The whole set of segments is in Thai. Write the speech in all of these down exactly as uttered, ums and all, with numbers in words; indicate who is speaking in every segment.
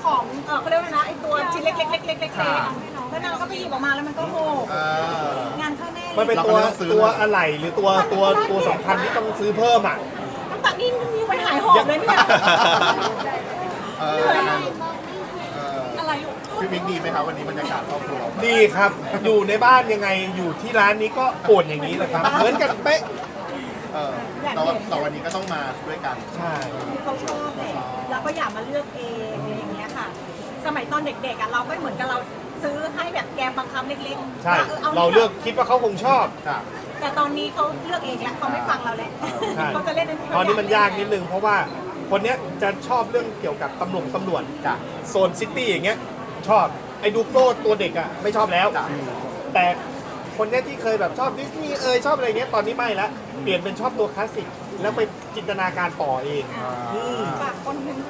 Speaker 1: ของเออเขาเรียกว่านะไอตัวชิ้นเล็กๆเล็กๆเล็กๆแล้วนางก็ไปหยิบออกมาแล้วมันก็โหงานเข้าแน่
Speaker 2: มันเป็นตัวตัวอะไรหรือตัวตัวตัวสำคัญที่ต้องซื้อเพิ่มอ่ะ
Speaker 1: ตั้งแต่นี่มีไปหายหอบเลยเนี่ยเหนื่อยอะไร
Speaker 3: พี่มิกดีไหมครับวันนี้บรรยากาศครอบครัว
Speaker 2: ดีครับอยู่ในบ้านยังไงอยู่ที่ร้านนี้ก็โอนอย่างนี้แหละครับเหมือนกันเป๊ะ
Speaker 3: เออแต่แต่วันนี้ก็ต้องมาด้วยกัน
Speaker 2: ใช่
Speaker 1: เขาชอบเลยแล้วก็อยากมาเลือกเองอะไรอย่างเงี้ยค่ะสมัยตอนเด็กๆอ่ะเราก็เหมือนกับเราซื้อให้แบบแกมบังคับเล็ก
Speaker 2: ๆใช่เราเลือกคิดว่าเขาคงชอบ
Speaker 1: แต่ตอนนี้เขาเลือกเองแล้วเขาไม่ฟังเราแล้วเขาจะเล่น
Speaker 2: ตอนนี้มันยากนิดนึงเพราะว่าคนเนี้ยจะชอบเรื่องเกี่ยวกับตำรวจตำรวจโซนซิตี้อย่างเงี้ยชอบไอ้ดูโปรตัวเด็กอ่ะไม่ชอบแล้วแต่คนเนี้ยที่เคยแบบชอบดิสนีย์เอยชอบอะไรเงี้ยตอนนี้ไม่ละเปลี่ยนเป็นชอบตัวคลาสสิกแล้วไปจินตนาการต่อเอง
Speaker 1: ฝากคนหนึ่ง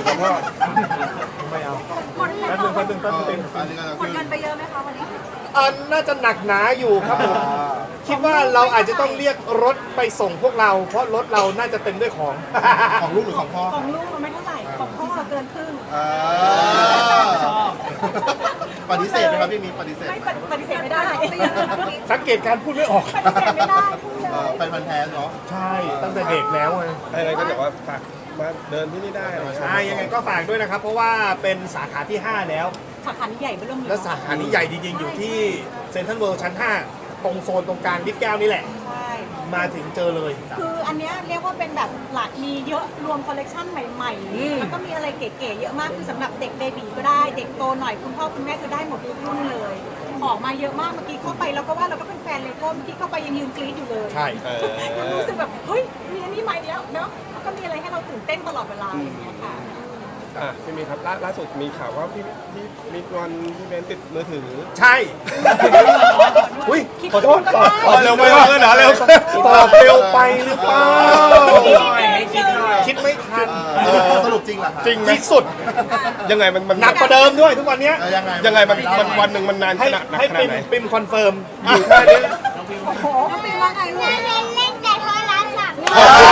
Speaker 2: ไม่เอาแป๊บนึงแป๊บนึงแป๊บนึง
Speaker 1: หมดเงินไปเยอะไหมคะวันนี้
Speaker 2: อันน่าจะหนักหนาอยู่ครับผมคิดว่าเราอาจจะต้องเรียกรถไปส่งพวกเราเพราะรถเราน่าจะเต็มด้วยของ
Speaker 3: ของลูกหรือของพ่อ
Speaker 1: ของลูกมันไม่เท่าไหร่ของพ่อเกินครึ่ง
Speaker 3: ปฏิเสธไหมครับพี่มิ้นปฏิเสธ
Speaker 1: ไม่ปฏิเสธไม่ได้
Speaker 2: สังเกตการพูดไม่ออก
Speaker 1: ปฏิเสธไม่ได้
Speaker 3: เป็นพันแท้เนาะ
Speaker 2: ใช่ตั้งแต่เด็กแล้วไง
Speaker 4: อะไรก็แบบว่าฝากมาเดินที่นี่ได้
Speaker 2: ใช่ยังไงก็ฝากด้วยนะครับเพราะว่าเป็นสาขาที่ห้าแล้ว
Speaker 1: สาขานี้ใหญ่เริ่ม
Speaker 2: และสาขานี้ใหญ่จริงๆอยู่ที่เซ็นทรัลเวิลด์ชั้นห้าตรงโซนตรงกลางดิ๊กแก้วนี่แหละ
Speaker 1: ใช่
Speaker 2: มาถึงเจอเลย
Speaker 1: คืออันนี้เรียกว่าเป็นแบบหลากมีเยอะรวมคอลเลกชันใหม่ๆแล้วก็มีอะไรเก๋ๆเยอะมากคือสำหรับเด็กเบบีก็ได้เด็กโตหน่อยคุณพ่อคุณแม่คือได้หมดทุกรุ่นเลยของมาเยอะมากเมื่อกี้เข้าไปเราก็ว่าเราก็เป็นแฟนเลโก้เมื่อกี้เข้าไปยังยืนกรี๊ดอยู่เลย
Speaker 2: ใช่
Speaker 1: รู้สึกแบบเฮ้ยมีอันนี้ใหม่แล้วเนาะก็มีอะไรให้เราตื่นเต้นตลอดเวลาอย่างเงี้ยค่ะ
Speaker 4: อ่ะพี่มีครับล่าสุดมีข่าวว่าพี่พี่มิกวันพี่เบนติดมือถือ
Speaker 2: ใช่อุ้ยขอโทษตอบเร็วไปเออหนาเร็วตอบเร็วไปหรือเปล่าคิดไม่ทัน
Speaker 3: สรุปจริงเหรอ
Speaker 2: จริงที่สุด
Speaker 4: ยังไงมันมัน
Speaker 2: หนักกว่าเดิมด้วยทุกวันนี้
Speaker 3: ยังไง
Speaker 4: ยังไงมันมันวันหนึ่งมันนานขนาดไหน
Speaker 2: ให้ปิมปิมคอนเฟิร์มอยู่แค่นี้
Speaker 1: โอ้โหปิมว่าไงลูกเล่นเล่นแต่โทรศัพท์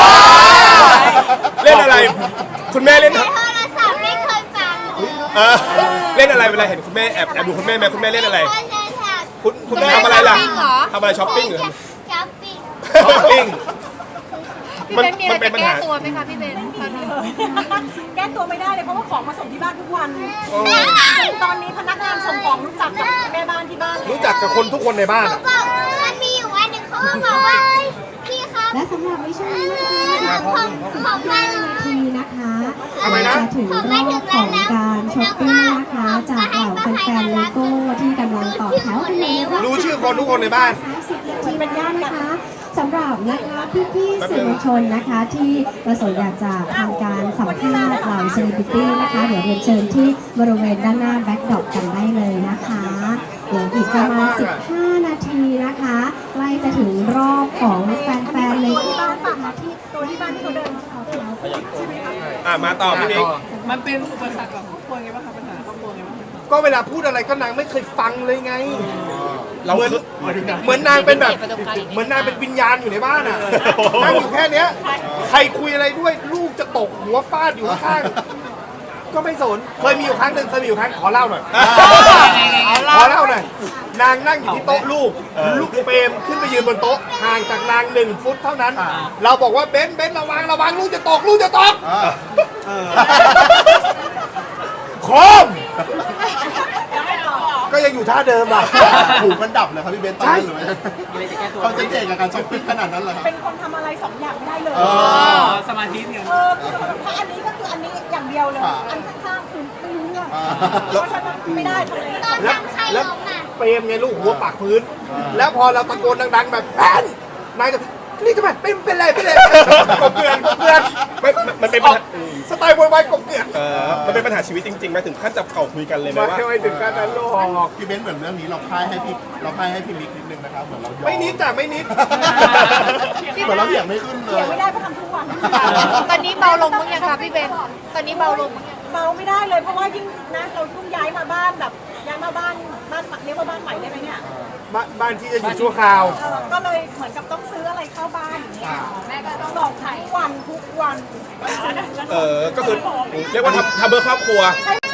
Speaker 4: เล่นอะไรคุณแม่เล่น
Speaker 1: โทรศัพท์ไม่เคยฟัง
Speaker 4: เล่นอะไรเวลาเห็นคุณแม่แอบแอบดูคุณแม่ไหมคุณแม่เล่นอะไรคุณคุณแม่ทำอะไรล่ะทำอะไรช้อปปิ้งหรือ
Speaker 1: ช้อปปิ้ง
Speaker 4: ช้อปปิ้ง
Speaker 5: มันมันเป็นปัญหาตัวไหมคะพี่เบน
Speaker 1: แก้ตัวไม่ได้เลยเพราะว่าของมาส่งที่บ้านทุกวันตอนนี้พนักงานส่งของรู้จักกับแม่บ้านที่บ้าน
Speaker 2: รู้จักกับคนทุกคนในบ้าน
Speaker 1: มันมีอยู่วันหนึ่งเขาบอกว่าพี่ครับ
Speaker 6: และสำหรับในช่วงนี้นะคะของสิบห้านาทีนะคะจะถึงรอบของการช้อปปิ้งนะคะจากเหล่าแฟนๆเลโก้ที่กำลังต่อแถวกันเลย
Speaker 2: รู้ชื่อคนทุกคนในบ้าน
Speaker 6: สามสิบนาทีเป็นย่านนะคะสำหรับนะคะพี่ๆสื่อมวลชนนะคะที่ประสงค์อยากจะทำการสัมภาษณ์เหล่าเซเลบริตี้นะคะเดี๋ยวเรียนเชิญที่บริเวณด้านหน้าแบ็คดรอปกันได้เลยนะคะเดี๋ยวอีกประมาณสิบห้านาทีนะคะใกล้จะถึงรอบของแฟนๆเลยที่บ้านปากมาที่
Speaker 1: ตัวที่บ้านที่เขาเดินเขาเท้าใช่ไหมคะ
Speaker 4: อ่ะมาต่อพี่นิก
Speaker 5: มันเป็นอุปสรรคกับครอบครัวไงบ้างคะปัญหาครอบครัวไงบ้าง
Speaker 2: ก็เวลาพูดอะไรก็นางไม่เคยฟังเลยไงเหมือนเหมือนนางเป็นแบบเหมือนนางเป็นวิญญาณอยู่ในบ้านอ่ะนั่งอยู่แค่เนี้ยใครคุยอะไรด้วยลูกจะตกหัวฟาดอยู่ข้างก็ไม่สนเคยมีอยู่ครั้งหนึ่งเคยมีอยู่ครั้งขอเล่าหน่อยขอเล่าหน่อยนางนั่งอยู่ที่โต๊ะลูกลูกเปรมขึ้นไปยืนบนโต๊ะห่างจากนางหนึ่งฟุตเท่านั้นเราบอกว่าเบนเบนระวังระวังลูกจะตกลูกจะตกโคมก็ยังอยู่ท่าเดิมอ่ะ
Speaker 3: หูมันดับเลยครับพี่เบนใช่เขาจะเก่งกับการช้อปปิ้งขนาดนั้นเหรอครับ
Speaker 1: เป็นคนทำอะไรสองอย่างไม่ได้เลย
Speaker 5: สมาธิเนี่ย
Speaker 1: เออถ้าอันนี้ก็คืออันนี้อย่างเดียวเลยอันข้างๆคือไม่รู้เรื่องเพราะฉะนั้นไม่ได้ทำอะไร
Speaker 2: แล้วแล้วเปรมไงลูกหัวปากพื้นแล้วพอเราตะโกนดังๆแบบแปนนายจะนี่ทำไมเป็นเป็นไรเป็นไรกบเกลื่อนกบเกลื่อน
Speaker 4: มันเป็นปัญหา
Speaker 2: สไตล์วายๆกบเกลื่อน
Speaker 4: เออมันเป็นปัญหาชีวิตจริงๆไหมถึงขั้นจับเข่าคุยกันเลยไหมว่า
Speaker 2: ไม่ถึงขั้นนั้นหรอก
Speaker 3: พี่เบนเหมือนเรื่องนี้เราพ่ายให้พี่เราพ่ายให้พี่มิกนิดนึงนะครับเหมือนเรา
Speaker 2: ไม่นิดจ้ะไม่นิด
Speaker 3: เหมือนเราเถียงไม่ขึ้นเลย
Speaker 1: เถียงไม่ได้เพราะทำทุกวัน
Speaker 5: ตอนนี้เบาลงมั้งยังคะพี่เบนตอนนี้เบาลง
Speaker 1: เบาไม่ได้เลยเพราะว่ายิ่งนะเราเพิ่งย้ายมาบ้านแบบย้ายมาบ้านบ้านเรียกว่าบ้านใหม่ได้ไหมเนี่ย
Speaker 2: บ้านที่จะอยู่ชั่วคราว
Speaker 1: ก็เลยเหมือนกับต้องซื้ออะไรเข้าบ้านอย่างเงี้ยแม่ก็ต้องส่งทุกวันทุกวัน
Speaker 4: เออก็คือเรียกว่าทำทำเพื่อครอบครัว
Speaker 1: ใช่ใช่ไหม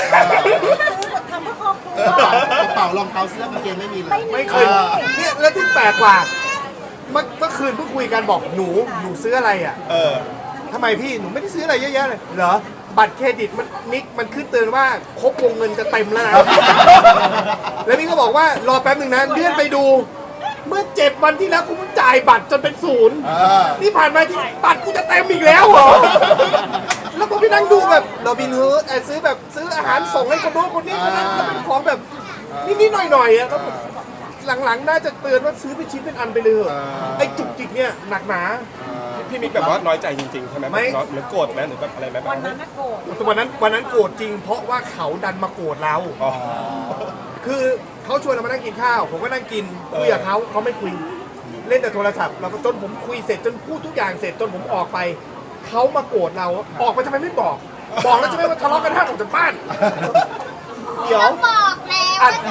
Speaker 1: ซื้อแบบทำเพื่อครอบครัว
Speaker 3: กระเป๋ารองเท้าเสื้อกางเกงไม่มีเลย
Speaker 2: ไม่เคยเนี่ยแล้วที่แปลกกว่าเมื่อเมื่อคืนเพิ่งคุยกันบอกหนูหนูซื้ออะไรอ่ะ
Speaker 4: เออ
Speaker 2: ทำไมพี่หนูไม่ได้ซื้ออะไรเยอะแยะเลยเหรอบัตรเครดิตมันนิกมันขึ้นเตือนว่าครบวงเงินจะเต็มแล้วนะ แล้วนี่ก็บอกว่ารอแป๊บหนึ่งนะเลื่อนไปดู เมื่อเจ็ดวันที่แล้วกูเพิ่งจ่ายบัตรจนเป็นศูนย์
Speaker 3: เออ
Speaker 2: นี่ผ่านมาที่บัตรกูจะเต็มอีกแล้วเหรอ แล้วผมไปนั่งดูแบบโรบินฮูดซื้อแบบซื้ออาหารส่งให้คนโน้นคนนี้คนนั้นแล้วเป็นของแบบนิดๆหน่อยๆอ่ะแล้วผมหลังๆน่าจะเตือนว่าซื้อเป็นชิ้นเป็นอันไปเลยเถอะไอ้จุกจิกเนี่ยหนักหนา
Speaker 4: พี่มิกแบบว่าน้อยใจจริงๆใช่ไหม
Speaker 2: ไม่
Speaker 4: หรือโกรธไหมหรือแบบอะไรไหม
Speaker 1: วันนั้นน่ะโกรธ
Speaker 2: วันนั้นวันนั้นโกรธจริง เพราะว่าเขาดันมาโกรธเรา
Speaker 4: อ๋อ
Speaker 2: คือเขาชวนเรามานั่งกินข้าว ผมก็นั่งกินคุยกับเขาเขาไม่คุยเล่นแต่โทรศัพท์เราก็จนผมคุยเสร็จจนพูดทุกอย่างเสร็จจนผมออกไปเขามาโกรธเราออกไปทำไมไม่บอก บอกแล้วจะไม่มาทะเลาะกันห้ามออกจากบ้านเดี๋ยว
Speaker 7: บอกแล้ว
Speaker 2: อัด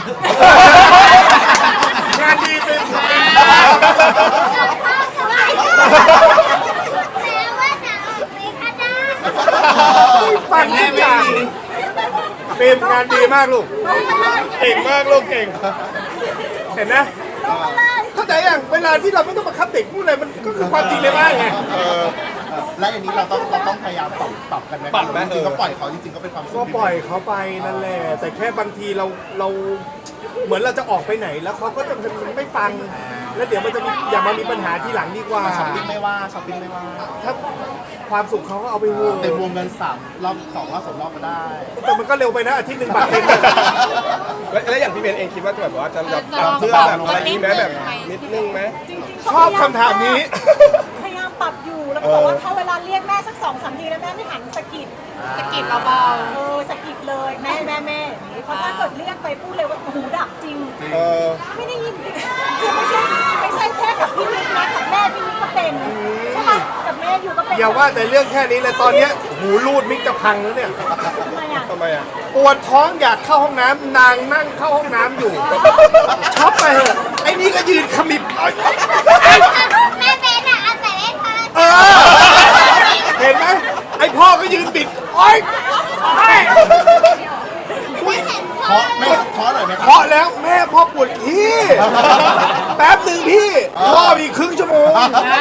Speaker 2: งานดีเป็น
Speaker 7: แล้วว่าจะออกไปข้างหน้า
Speaker 2: ฟังทุกอย่างเป็นงานดีมากลูก
Speaker 4: เก่งมากลูกเก่ง
Speaker 2: เห็นนะเข้าใจอย่างเวลาที่เราไม่ต้องมาคับเด็กพูดอะไรมันก็คือความจริงในบ้านไง
Speaker 3: และอันนี้เราต้องเราต้องพยายามปรับปรับกันไหม
Speaker 4: ปรับไหม
Speaker 3: จริงๆก็ปล่อยเขาจริงๆก็เป็นความสุข
Speaker 2: ก็ปล่อยเขาไปนั่นแหละแต่แค่บางทีเราเราเหมือนเราจะออกไปไหนแล้วเขาก็จะไม่ฟัง แล้วเดี๋ยวมันจะมีอย่ามามีปัญหาทีหลังดีกว่า
Speaker 3: ช้อปปิ้งไม่ว่าช้อปปิ้งไม่ว่า
Speaker 2: ถ้าความสุขเขาก็เอาไปเวอร์
Speaker 3: เต็มวงเงินสามรอบสองรอบสามรอบก็ได้
Speaker 2: แต่มันก็เร็วไปนะอาทิตย์หนึ่งบัตรเต็ม
Speaker 4: แล้วแล้วอย่างพี่เบนเองคิดว่าจะแบบว่าจะแบบปรับเพื่อแบบอะไรนี้ไหมแบบนิดนึงไหม
Speaker 1: จริงๆ
Speaker 2: ชอบคำถามนี้
Speaker 1: พยายามปรับอยู่แล้วก็บอกว่าถ้าเวลาเรียกแม่สักสองสามทีแล้วแม่ไม่หันสะกิด
Speaker 5: สะกิดเบา
Speaker 1: เออสะกิดเลยแม่แม่แม่อย่างนี้เพราะถ้าเกิดเรียกไปพูดเลยว่าหูดับจริง
Speaker 4: เออ
Speaker 1: ไม่ได้ยินจริงคือไม่ใช่ไม่ใช่แค่กับพี่มิกนะกับแม่พี่มิกก็เป็นใช่ปะกับแม่อยู่ก็เป็น
Speaker 2: อย่าว่าแต่เรื่องแค่นี้เลยตอนเนี้ยหูรูดมิกจะพังแล้วเนี่ย
Speaker 1: ทำไมอ่ะ
Speaker 4: ทำไมอ่ะ
Speaker 2: ปวดท้องอยากเข้าห้องน้ำนางนั่งเข้าห้องน้ำอยู่ช็อปไปเถอะไอ้นี่ก็ยืนขมิบเอ้ย
Speaker 7: แม่เบนอะเอาแต่เล่นโทรศัพท์
Speaker 2: เออเห็นไหมไอ้พ่อก็ยืนบิดโอ๊ยโอ๊ย
Speaker 3: เคาะไม่เคาะหน่อยไหมครับ
Speaker 2: เคาะแล้วแม่พ่อปวดขี้แป๊บหนึ่งพี่พ่อมีครึ่งชั่วโมง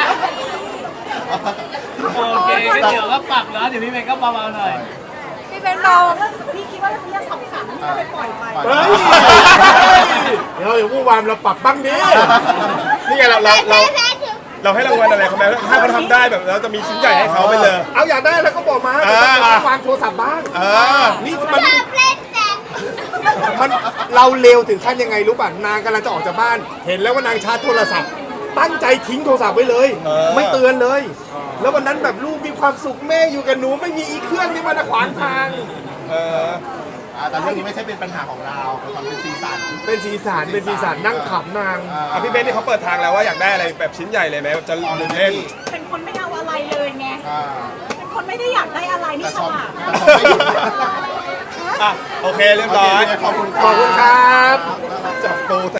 Speaker 8: โอเคงั้นเดี๋ยวก็ปรับแล้วเดี๋ยวพี่เมย์ก็เบาๆหน่อย
Speaker 5: ๆพี่เป็นเรา
Speaker 1: พี่คิดว่าเรื่องของขังนี่ก็ไปปล่อยไป
Speaker 2: เฮ้ยเดี๋ยวอย่าพูดวามเราปรับบ้างดิ
Speaker 4: นี่ไงเราเราเรา
Speaker 7: แม่ถึง
Speaker 4: เราให้รางวัลอะไรเขาไหมถ้าเขาทำได้แบบเราจะมีชิ้นใหญ่ให้เขาไปเลย
Speaker 2: เอาอยากได้แล้วก็บอกมา
Speaker 4: เออ
Speaker 2: แต่ต้องวางโทรศัพท์บ้าง
Speaker 4: เออ
Speaker 2: นี่มัน
Speaker 7: ชอบเล่นแต่
Speaker 2: มันเราเร็วถึงขั้นยังไงรู้ป่ะนางกำลังจะออกจากบ้าน เห็นแล้วว่านางชาร์จโทรศัพท์ ตั้งใจทิ้งโทรศัพท์ไว้เลย
Speaker 4: เออ
Speaker 2: ไม่เตือนเลย แล้ววันนั้นแบบลูกมีความสุขแม่อยู่กับหนูไม่มีอีเครื่องนี่มันขวางทาง
Speaker 4: เออ
Speaker 3: อ่าแต่เรื่องนี้ไม่ใช่เป็นปัญหาของเราเป็นความเป็นสีสัน
Speaker 2: เป็นสีสันเป็นสีสันนั่งขำนาง
Speaker 4: อ่ะพี่เบนนี่เขาเปิดทางแล้วว่าอยากได้อะไรแบบชิ้นใหญ่เลยไหมจะลืมเล่น
Speaker 1: เป็นคนไม่เอาอะไรเลยไง
Speaker 3: อ่า
Speaker 1: เป็นคนไม่ได้อยากได้อะไรนี่
Speaker 3: แต่
Speaker 1: ฉ
Speaker 3: ชอบ
Speaker 1: ลาด
Speaker 3: แต่ชอบไม่หยุด
Speaker 4: อ่ะโอเคเรียบร้อย
Speaker 3: ขอบคุณ
Speaker 2: ขอบคุณครับ
Speaker 4: จับปู